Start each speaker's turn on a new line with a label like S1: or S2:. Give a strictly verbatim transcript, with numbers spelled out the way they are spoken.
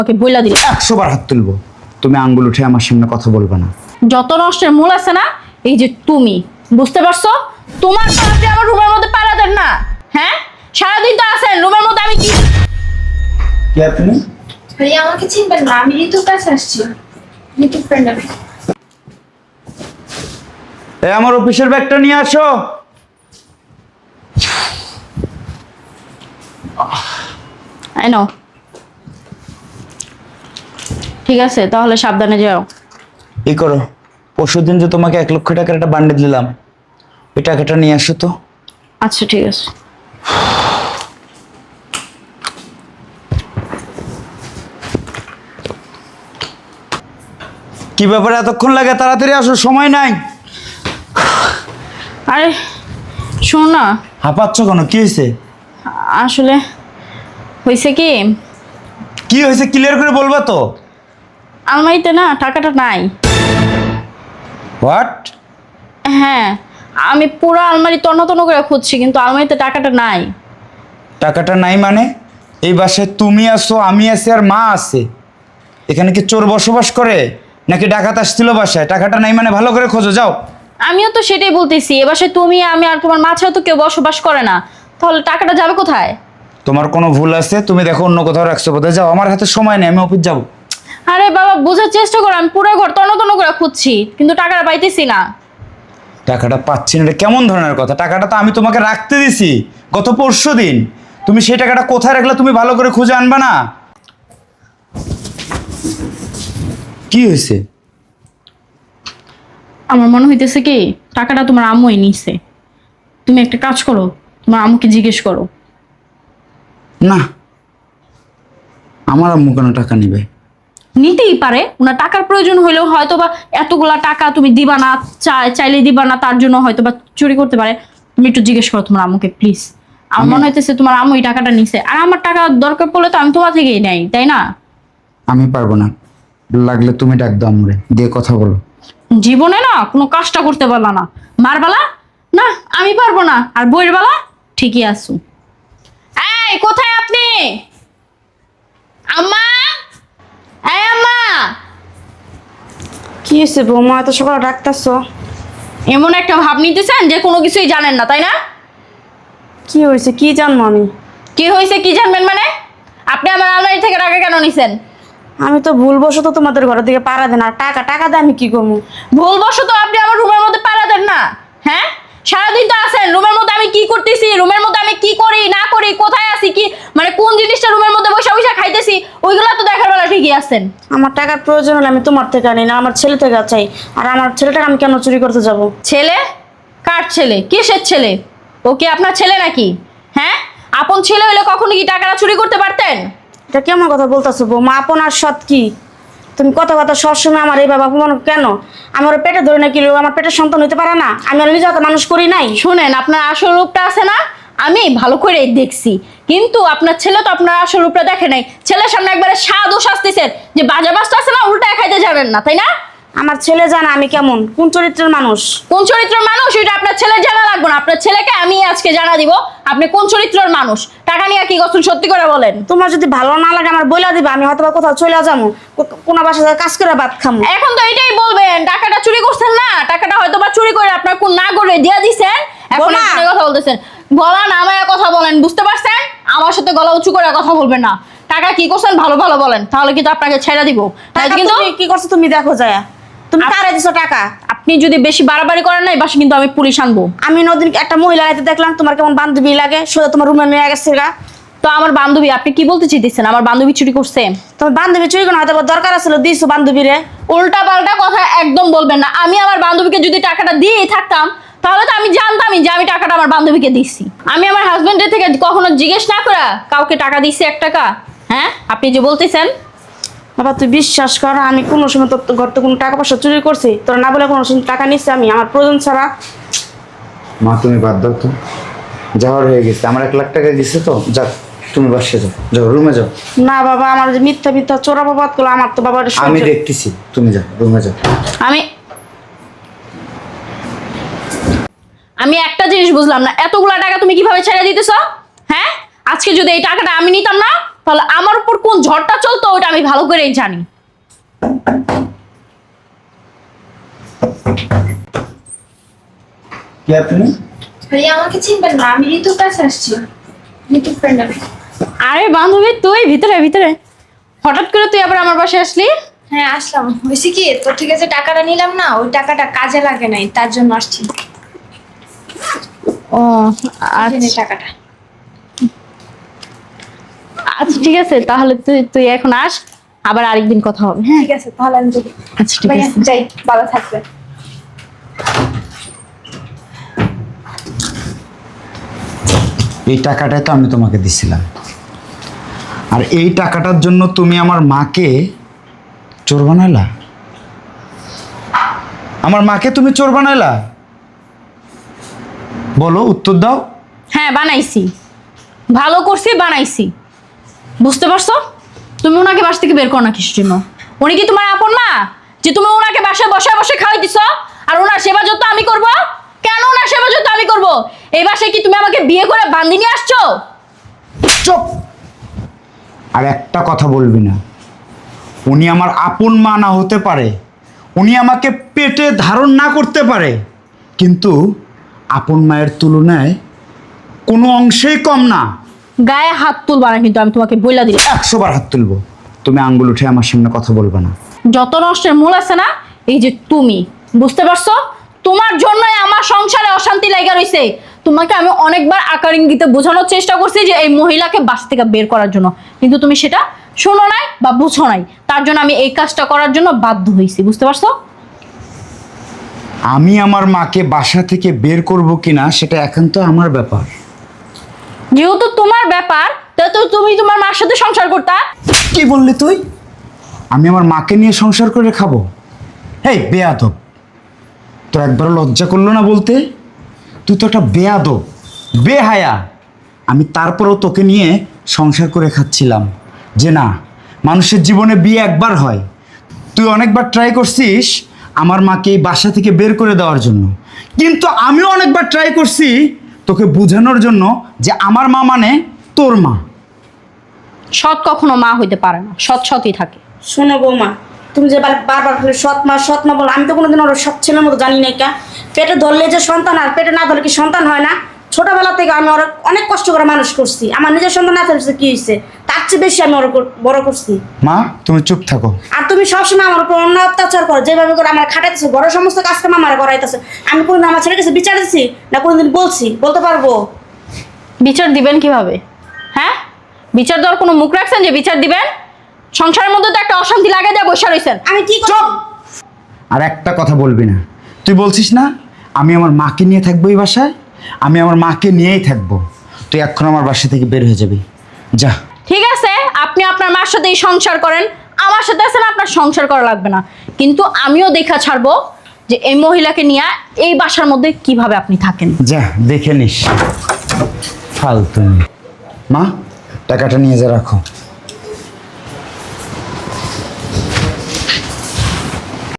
S1: ওকে বইলা দিলে
S2: একশো বার হাত তুলবো, তুমি আঙ্গুল উঠে আমার সামনে কথা বলবে না।
S1: যত নষ্টের মূল আছে না এই যে তুমি, বুঝতে পারছো? তোমার তো আপনি আমার রুমের মধ্যে পাড়া দেন না, হ্যাঁ? সারাদিন তো আছেন রুমের মধ্যে, আমি কি
S2: কি আপনি?
S3: ভাইয়া আমাকে চিনবেন না, আমি ঋতুর কাছে আসছি। ঋতুর ফ্রেন্ড আমি।
S2: এই আমার অফিসের ব্যাগটা নিয়ে আসো।
S1: I know. ঠিক আছে তাহলে সাবধানে যাও।
S2: এই করো, পরশুদিন যে তোমাকে এক লক্ষ টাকার একটা বান্ডেল দিলাম, ওই টাকাটা নিয়ে আসো তো।
S1: আচ্ছা ঠিক আছে।
S2: কি ব্যাপারে এতক্ষণ লাগে? তাড়াতাড়ি আসো, সময় নাই।
S1: আরে শোন না,
S2: হাঁপাচ্ছ কেন? কি হয়েছে?
S1: আসলে হয়েছে কি,
S2: কি হয়েছে ক্লিয়ার করে বলবা তো।
S1: আলমারিতে না টাকাটা নাই।
S2: হোয়াট?
S1: হ্যাঁ, আমি পুরো আলমারি তন্ন তন্ন করে খুঁজছি কিন্তু আলমারিতে টাকাটা নাই।
S2: টাকাটা নাই মানে? এই বাসায় তুমি আছো, আমি আছি, আর মা আছে। এখানে কি চোর বসবাস করে নাকি ডাকাত আসছিল বাসায়? টাকাটা নাই মানে ভালো করে খোঁজো, যাও।
S1: আমিও তো সেটাই বলতেছি, এ বাসায় তুমি আমি আর তোমার মা ছাড়া তো কেউ বসবাস করে না, তাহলে টাকাটা যাবে কোথায়?
S2: তোমার কোনো ভুল আছে, তুমি দেখো অন্য কোথাও রাখছো বোধহয়। যাও, আমার হাতে সময় নেই, আমি অফিস যাবো।
S1: আরে বাবা বোঝার চেষ্টা করো, আমি পুরো ঘর তন্ন তন্ন করে খুঁজছি কিন্তু টাকাটা পাইতেছি না।
S2: টাকাটা পাচ্ছি না, এটা কেমন ধরনের কথা? টাকাটা তো আমি তোমাকে রাখতে দিছি গত পরশু দিন। তুমি সেই টাকাটা কোথায় রাখলে তুমি ভালো করে খুঁজে আনবা না? কি হয়েছে?
S1: আমার মনে হইতেছে কি টাকাটা তোমার আম্মুই নিছে। তুমি একটা কাজ করো, তোমার আম্মুকে জিজ্ঞেস করো।
S2: না, আমার আম্মু কেন টাকা নিবে?
S1: নিতেই পারে, ওনার টাকার প্রয়োজন হইলেও হয়তো বা এতগুলা টাকা তুমি দিবা না, চাই চাইলে দিবা না, তার জন্য হয়তো বা চুরি করতে পারে। তুমি একটু জিজ্ঞেস করো তোমার আম্মুকে প্লিজ। আমার মনে হইতেছে তোমার আম্মু এই টাকাটা নিছে, আর আমার টাকা দরকার পড়লে তো আমি তোমার থেকেই নেই, তাই না?
S2: আমি পারবো না, লাগলে তুমি ডাক দাও আমরে, দিয়ে কথা বলো।
S1: জীবনে না কোনো কাজটা করতে পারলা না, মারবালা না আমি পারবো না, আর বইয়ের বেলা ঠিকই আসু। এই কোথায় আপনি? আম্মা, এই আম্মা।
S4: কি হয়েছে বৌমা, এত সকালে ডাকতেছো?
S1: এমন একটা ভাব নিতেছেন যে কোনো কিছুই জানেন না, তাই না?
S4: কি হয়েছে, কি জানবো আমি?
S1: কি হয়েছে কি জানবেন মানে? আপনি আমার আলমারি থেকে টাকা কেন নিছেন?
S4: আমি তো ভুলবশত তোমাদের ঘরের দিকে পাড়া দেন, আর টাকা টাকা দিয়ে আমি কি করবো?
S1: ভুলবশত আপনি আমার রুমের মধ্যে পাড়া দেন না, হ্যাঁ? সারাদিন তো আছেন রুমের মধ্যে, আমি কি করতেছি, রুমের মধ্যে আমি কি করি না করি, কোথায় আছি, কি মানে কোন জিনিসটা রুমের মধ্যে বসে বসে খাইতেছি, ওইগুলো তো দেখার বেলা ঠিকই আছেন।
S4: আমার টাকার প্রয়োজন হলে আমি তোমার থেকে আনি না, আমার ছেলে থেকে চাই। আর আমার ছেলেটাকে আমি কেন চুরি করতে যাব?
S1: ছেলে? কার ছেলে? কিসের ছেলে? ও কি আপনার ছেলে নাকি? হ্যাঁ, আপন ছেলে হলে কখনো কি টাকাটা চুরি করতে পারতেন?
S4: এটা কেমন কথা বলতেছো বৌমা? আপন আর সৎ কি? তুমি কথা কথা সবসময় আমার এইভাবে অপমান কেন? আমার পেটে ধরে নাকি আমার পেটের সন্তান হইতে পারে না? আমি আর নিজে তো মানুষ করি নাই।
S1: শুনেন, আপনার আসল রূপটা আছে না, আমি ভালো করে দেখছি, কিন্তু আপনার ছেলে তো আপনার আসল রূপটা দেখে নাই। ছেলের সামনে একবারে স্বাদ ও শাস্তিছেন যে বাজে বাসটা আছে না, উল্টায় খাইতে যাবেন না, তাই না?
S4: আমার ছেলে জানা আমি কেমন, কোন চরিত্রের মানুষ।
S1: কোন চরিত্রের মানুষ এটা আপনার ছেলে জানা লাগবে না, আপনার ছেলেকে আমি আজকে জানা দিব আপনি কোন চরিত্রের মানুষ। টাকা নিয়ে কি করছেন সত্যি করে বলেন।
S4: তোমার যদি ভালো না লাগে আমার বইলা দিবা, আমি হয়তো বা কোথাও চলে যাবো, কো- কোনো বাসায় কাজ করে ভাত খামো।
S1: এখন তো এটাই বলবেন, টাকাটা চুরি করছেন না, টাকাটা হয়তো বা চুরি করে আপনার কোন না করে দিয়া দিছেন, এখন
S4: বোমা।
S1: আপনি কথা বলতেছেন। গলা নামায় কথা বলেন, বুঝতে পারছেন? আমার সাথে গলা উঁচু করে কথা বলবেন না। টাকা কি করছেন ভালো ভালো বলেন, তাহলে কিন্তু আপনাকে ছেড়ে দিব।
S4: টাকা
S1: কিন্তু
S4: তুমি কি করছো তুমি দেখো যায়, তুমি
S1: আপ-
S4: কারে দিছো টাকা?
S1: আপনি যদি বেশি বাড়াবাড়ি করেন না, এই বাসে কিন্তু আমি পুলিশ আনবো।
S4: আমি নদিন একটা মহিলা আইতে দেখলাম, তোমার কেমন বান্ধবী লাগে, সোজা তোমার রুমে নিয়ে গেছে গা।
S1: তো আমার বান্ধবী, আপনি কি বলতে চাইতেছেন আমার বান্ধবী চুরি করছে?
S4: তোমার বান্ধবী চুরি কোনো হয়তো বা দরকার আছিল, দিছো বান্ধবীরে।
S1: উল্টা পাল্টা কথা একদম বলবেন না। আমি আমার বান্ধবীকে যদি টাকাটা দিয়েই থাকতাম তাহলে তো আমি জানতামই যে আমি টাকাটা আমার বান্ধবীকে দিচ্ছি। আমি আমার হাজবেন্ডের থেকে কখনো জিজ্ঞেস না করে কাউকে টাকা দিচ্ছি এক টাকা? হ্যাঁ, আপনি যে বলতেছেন।
S4: বাবা তুই বিশ্বাস কর, আমি কোনো সময় তোর ঘর থেকে কোনো টাকা পয়সা চুরি করছি তোর না বলে? কোনো সময় টাকা নিচ্ছি আমি আমার প্রয়োজন ছাড়া?
S2: মা তুমি বাদ দাও তো, যাওয়ার হয়ে গেছে। আমার এক লাখ টাকা দিছে তো, যাক তুমি বাসে যাও, যাও রুমে যাও।
S4: না বাবা, আমার যে মিথ্যা মিথ্যা চোরা বাবাদ করলো, আমার তো বাবার
S2: আমি দেখতেছি, তুমি যাও রুমে যাও।
S1: আমি আমি একটা জিনিস বুঝলাম না, এতগুলা টাকা তুমি কিভাবে ছেড়ে দিতেছ? হ্যাঁ, আজকে যদি এই টাকাটা আমি নিতাম না তাহলে আমার উপর কোন ঝড়টা চলতো ওটা আমি ভালো করেই জানি।
S2: কি আপনি?
S3: ভাইয়া আমাকে চিনবেন না, আমি ঋতুর কাছে আসছি। ঋতুর ফ্রেন্ড আমি।
S1: আরে বান্ধবী তুই ভিতরে ভিতরে, হঠাৎ করে তুই আবার আমার বাসায় আসলি?
S3: হ্যাঁ আসলাম, হয়েছে কি তোর থেকে যে টাকাটা নিলাম না, ওই টাকাটা কাজে লাগে নাই, তার জন্য আসছি।
S1: ও
S3: এই নে
S1: আচ্ছা
S3: টাকাটা।
S1: আচ্ছা ঠিক আছে, তাহলে তুই তুই এখন আস, আবার আরেকদিন কথা হবে। হ্যাঁ
S3: ঠিক আছে তাহলে আমি যাই।
S1: আচ্ছা ঠিক
S3: ভাইয়া
S1: আছে।
S3: যাই, ভালো থাকবে।
S2: এই টাকাটাই তো আমি তোমাকে দিছিলাম, আর এই টাকাটার জন্য তুমি আমার মাকে চোর বানাইলা। আমার মাকে তুমি চোর বানাইলা, বলো উত্তর দাও।
S1: হ্যাঁ বানাইছি, ভালো করছি, বানাইছি। বুঝতে পারছো? তুমি ওনাকে বাসা থেকে বের করো না কিসের জন্য? উনি কি তোমার আপন মা যে তুমি ওনাকে বাসায় বসে বসে খাওয়াই দিছো? আর ওনার সেবা যত্ন আমি করব? কেন ওনার সেবা যত্ন আমি করব? এই বাসায় কি তুমি আমাকে বিয়ে করে বান্দি নিয়ে আসছো?
S2: চুপ! আর একটা কথা বলবি না। উনি আমার আপন মা না হতে পারে, উনি আমাকে পেটে ধারণ না করতে পারে, কিন্তু আপন মায়ের তুলনায় কোনো অংশেই কম না।
S1: গায়ে হাত তুলবা না কিন্তু, আমি তোমাকে বইলা দিলাম।
S2: একশো বার হাত তুলবো। তুমি আঙ্গুল উঠে আমার সামনে কথা বলবে না।
S1: যত নষ্টের মূল আছে না, এই যে তুমি। বুঝতে পারছো? তোমার জন্যই আমার সংসারে অশান্তি লাগা রইছে। তোমাকে আমি অনেকবার আকার ইঙ্গিতে বোঝানোর চেষ্টা করছি যে এই মহিলাকে বাস থেকে বের করার জন্য, কিন্তু তুমি সেটা শোনো নাই বা বুঝো নাই। তার জন্য আমি এই কাজটা করার জন্য বাধ্য হয়েছি। বুঝতে পারছো?
S2: আমি আমার মাকে বাসা থেকে বের করব কিনা সেটা একান্ত আমার ব্যাপার।
S1: যেহেতু তোমার ব্যাপার, তাহলে তো তুমি তোমার মার সাথে সংসার করতা।
S2: কি বললি তুই? আমি আমার মাকে নিয়ে সংসার করে খাবো? এই বেয়াদব, তোর একবার লজ্জা করলো না বলতে? তুই তো একটা বেয়াদব, বেহায়া। আমি তারপরেও তোকে নিয়ে সংসার করে খাচ্ছিলাম যে না, মানুষের জীবনে বিয়ে একবার হয়। তুই অনেকবার ট্রাই করছিস আমার মাকে এই বাসা থেকে বের করে দেওয়ার জন্য, কিন্তু আমিও অনেকবার ট্রাই করছি তোকে বোঝানোর জন্য যে আমার মা মানে তোর মা।
S1: সৎ কখনো মা হইতে পারে না, সৎ সৎই থাকে।
S4: শোনো বৌমা, তুমি যে বার- বারবার খালি সৎ মা সৎ মা বলো, আমি তো কোনোদিন ওর সৎ ছেলের মতো জানি না। কা পেটে ধরলে যে সন্তান, আর পেটে না ধরলে কি সন্তান হয় না? ছোটবেলা থেকে আমি ওর অনেক কষ্ট করে মানুষ করছি। আমার নিজের সন্তান না থাকলে কি হয়েছে, তার চেয়ে বেশি আমি ওর কর- বড় করছি।
S2: মা তুমি চুপ থাকো।
S4: আর তুমি সবসময় আমার উপর অন্য অত্যাচার করো, যেভাবে করে আমার খাটাইতেছো, বড় সমস্ত কাজ কাম আমার করাইতেছো। আমি কোনোদিন আমার ছেলের কাছে বিচার দিচ্ছি না? কোনোদিন বলছি? বলতে পারবো?
S1: বিচার দিবেন কিভাবে? হ্যাঁ, বিচার দেওয়ার কোনো মুখ রাখছেন যে বিচার দিবেন? সংসারের মধ্যে তো একটা অশান্তি লাগাই দেওয়া বসে রয়েছেন।
S4: আমি কি
S2: চুপ! আর একটা কথা বলবি না। তুই বলছিস না আমি আমার মাকে নিয়ে থাকবো এই বাসায়, আমি আমার মাকে নিয়েই থাকবো। তুই এখন আমার বাসা থেকে বের হয়ে যাবি, যা।
S1: ঠিক আছে, আপনি আপনার মার সাথেই সংসার করেন, আমার সাথে আছেন, আপনার সংসার করা লাগবে না। কিন্তু আমিও দেখা ছাড়বো যে এই মহিলাকে নিয়ে এই বাসার মধ্যে কিভাবে আপনি থাকেন।
S2: যা দেখে নিস। ফালতু মেয়ে। মা টাকাটা নিয়ে যা, রাখো।